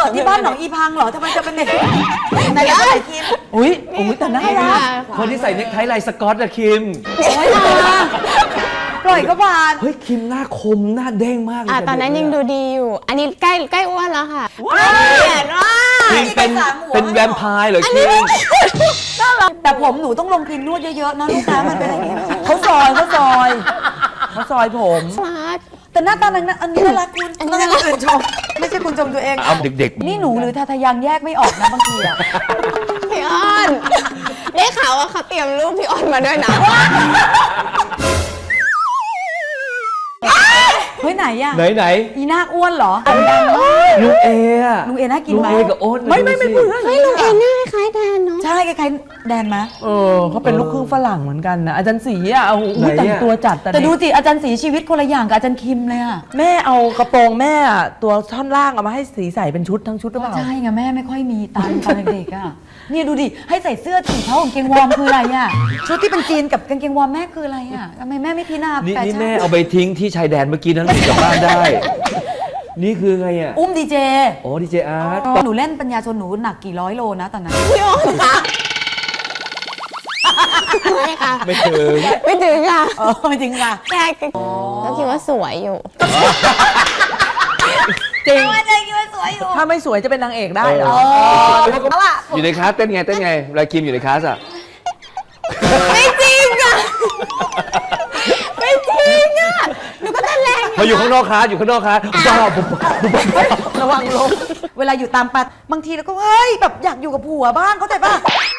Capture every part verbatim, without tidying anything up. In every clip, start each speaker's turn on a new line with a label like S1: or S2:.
S1: ที่บ้านหนองอีพังเหรอทำไมจะเป็นเด็กไหนๆก็ไหนคิม
S2: อุ้ยอุ้ยแต่น่ารัก
S3: คนที่ใส่เน็กไทลายสก๊อตอะคิม
S1: โอ้ยมาปล่อยก็บาน
S3: เฮ้ยคิมหน้าคมหน้าเด้งมากเลย
S4: ตอนนั้นยังดูดีอยู่ อันนี้ใกล้ใกล้อ้วนแล้วค่ะ
S1: เห็นว่า
S3: คิมเป็นเป็นแวมไพร์เหรอคิม
S1: แต่ผมหนูต้องลงครีมนวดเยอะๆนะลูกนะมันเป็นอะไร
S2: เขาซอยเขาซอยเขาซอยผม
S1: แต่หน้าตาหนังอันนี้น่ารักคุณต้องให้คนอื่นชมไม่ใช่คุณชมตัวเอง
S3: เอาเด็ก
S1: ๆนี่หนูหรือทาทายังแยกไม่ออกนะบางทีอะ
S4: พี่อ้อนได้ข่าวว่าเขาเตรียมรูปพี่อ้อนมาด้วยนะ
S1: เฮ้ยไหนอะ
S3: ไหนไหน
S1: อีนาคอ้วนเหรอ
S3: ลุงเออะ
S1: ลุงเอน่ากินไหม
S3: ลุงเอกับโอ๊ต
S1: ไม่ไม่ไม่เพื่อน
S4: เฮ้ยลุงเอหน้าคล้ายแดนเนาะ
S1: ใช่คล้ายๆแดนไหม
S2: เออเขาเป็นลูกครึ่งฝรั่งเหมือนกันนะอาจารย์ศรีอ่ะโอ้โหแต่งตัวจัด
S1: แต่ดูสิอาจารย์ศรีชีวิตคนละอย่างกับอาจารย์คิมเลยอะ
S2: แม่เอากระโปรงแม่ตัวท่อนล่างเอามาให้สีใส่เป็นชุดทั้งชุดหรือเปล่า
S1: ใช่ไงแม่ไม่ค่อยมีตังตอนเด็กๆอะนี่ดูดิให้ใส่เสื้อสีเท้ากางเกงวอร์มคืออะไรอะชุดที่เป็นจีนกับกางเกงวอร์มแม่คืออะไรอะทำไมแม่ไม่พิจารณา
S3: นี่นี่แม่เอาไปทิ้งที่ชายแดนเมื่อกี้นั้นกลับบ้านได้นี่คือไงอ่ะ
S1: อุ้มดีเจ
S3: โอ้ดีเจอาร์ต
S1: หนูเล่นปัญญาชนหนูหนักกี่ร้อยโลนะตอนนั้น
S4: พี่อ้อนค่ะไม่ค่ะ
S3: ไม่ถึง
S4: ไม่ถึงค่ะ
S1: เออไม่ถึงค่ะ
S4: แค่ก็คิดว่าสวยอยู่
S1: จริงว่าใจคิดว่าสวยอยู่
S2: ถ้าไม่สวยจะเป็นนางเอกได้เหรอ
S3: อยู่ในคลาสเต้นไงเต้นไงเวลาคิมอยู่ในคลาสอ่ะ
S4: ไม่จริงอ่ะไม่จริงอ่ะหนูก็เต้นแรง
S3: พออยู่ข้างนอกคลาสอยู่ข้างนอกคลาสบ้าปุ๊บ
S1: ระวังลงเวลาอยู่ตามปัดบางทีเราก็เฮ้ยแบบอยากอยู่กับผัวบ้างเข้าใจป่ะ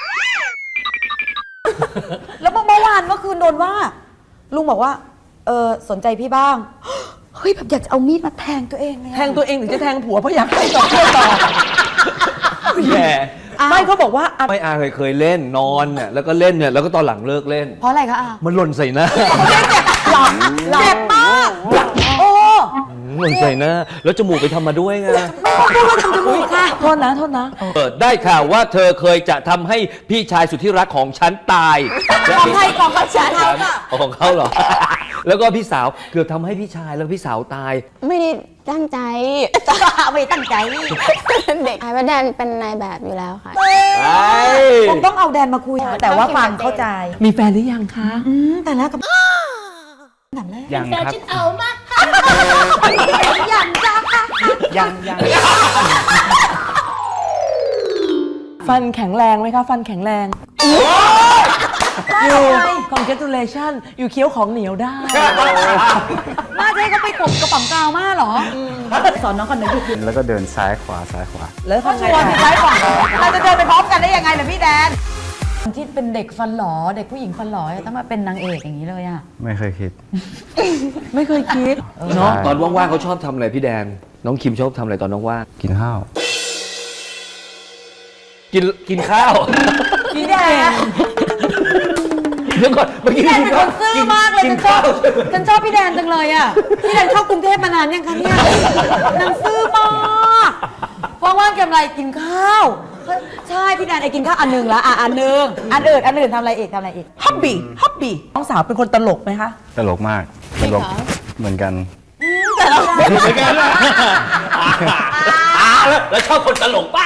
S1: แล้วเมื่อวานเมื่อคืนโดนว่าลุงบอกว่าเออสนใจพี่บ้างเฮ้ยแบบอยากจะเอามีดมาแทงตัวเองเลย
S2: แทงตัวเองหรือจะแทงผัวเพราะอยากให้ต่อเพื่อต่อ
S3: แย่
S2: ไม่เขาบอกว่า
S3: ไม่อาเคยเคยเล่นนอนเนี่ยแล้วก็เล่นเนี่ยแล้วก็ตอนหลังเลิกเล่น
S1: เพราะอะไรคะอา
S3: มันหล่นใส่หน้า
S1: หลับเจ็บมากโอ้
S3: หล่นใส่หน้าแล้วจมูกไปทำมาด้วยไง
S1: ไม่ว่าทำจมูกค่ะ
S2: โทษนะโทษนะ
S3: เปิดได้ข่าวว่าเธอเคยจะทำให้พี่ชายสุดที่รักของฉันตาย
S1: ของใครของกับฉันเขาค่ะ
S3: ของเขาเหรอแล้วก็พี่สาวเกือบทำให้พี่ชายแล้วพี่สาวตาย
S4: ไม่ได้ตั้งใจ
S1: ไม่ตั้งใจ
S4: เด็กไอ้ว่าแดนเป็นนายแบบอยู่แล้วค่ะ
S1: ผมต้องเอาแดนมาคุยแต่ว่าฟังเข้าใจ
S2: มีแฟนหรือยังคะ
S1: อืมแต่แล้วกับ
S3: ยังครับ
S1: เอามายังจ้าค่ะ
S3: ยังยัง
S2: ฟันแข็งแรงไหมคะฟันแข็งแรงอยู่ congratulation อยู่เคี้ยวของเหนียวได้
S1: มาเจ๊ก็ไปกบกระป๋องกาวมาหรอสอนน้องคนหนึ่งคือ
S5: แล้วก็เดินซ้ายขวาซ้ายขวา
S2: แล้วทำไง
S1: ซ้ายขวาเราจะเดินไปพร้อมกันได้ยังไงล่ะพี่แดนที่เป็นเด็กฟันหลอเด็กผู้หญิงฟันหลอต้องมาเป็นนางเอกอย่างนี้เลยอ่ะ
S5: ไม่เคยคิด
S2: ไม่เคยคิด
S3: เนาะตอนว่างๆเขาชอบทำอะไรพี่แดนน้องคิมชอบทำอะไรตอนว่าง
S5: กินข้าว
S3: กินกินข้าว
S1: พี่แดน
S3: เดี๋ยวก่อนเมื่อกี้
S1: พี่แดนเป็นคนซื่อมากเลยฉันชอบฉันชอบพี่แดนจังเลยอ่ะพี่แดนเข้ากรุงเทพมานานยังคะเนี่ยนางซื่อมากว่างๆทำอะไรกินข้าวใช่พี่แดนไอ้กินข้าวอันหนึ่งละอ่ะอันหนึ่งอันอื่นอันอื่นทำอะไรอีกทำอะไรอีก
S2: ฮับบี้ฮับบี้น้องสาวเป็นคนตลกไหมคะ
S5: ตลกมากตลกเหมือนกัน
S1: แต่เราเห
S3: มือนกันแล้วชอบคนตลกเปล่า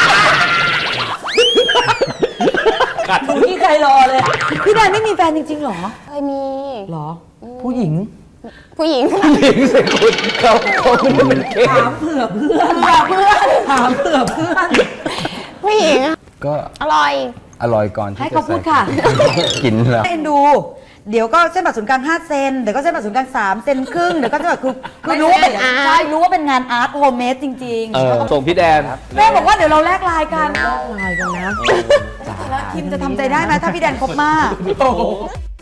S1: ดูที่ใครรอเลยพี่แดนไม่มีแฟนจริงๆหรอ
S4: เคยมี
S1: หรอ
S2: ผู้หญิง
S4: ผู้หญิง
S3: ผู้หญิงสิคุณเขาเขาไม่ได้เป็นเกย์
S1: ถามเผื่อเพื่อนเพื่อนถามเผื่อเพื่อน
S4: ผู้หญิง
S5: ก็
S4: อร่อย
S5: อร่อยก่อน
S1: ให้เขาพูดค่ะ
S5: กินแล้ว
S1: เอ็นดูเดี๋ยวก็เส้นผ่าศูนย์กลางห้าเซนเดี๋ยวก็เส้นผ่าศูนย์กลางสามเซนครึ่งเดี๋ยวก็จะแบบคือคือรู้ว่าเป็นใช่รู้ว่าเป็นงานอาร์ตโฮมเมดจริง
S3: ๆส่งพี่แดน
S1: แม่บอกว่าเดี๋ยวเราแลกไลน์กัน
S2: แลกไลน์กันนะ
S1: แล้วคิมจะทำใจได้ไหมถ้าพี่แดนคบมาก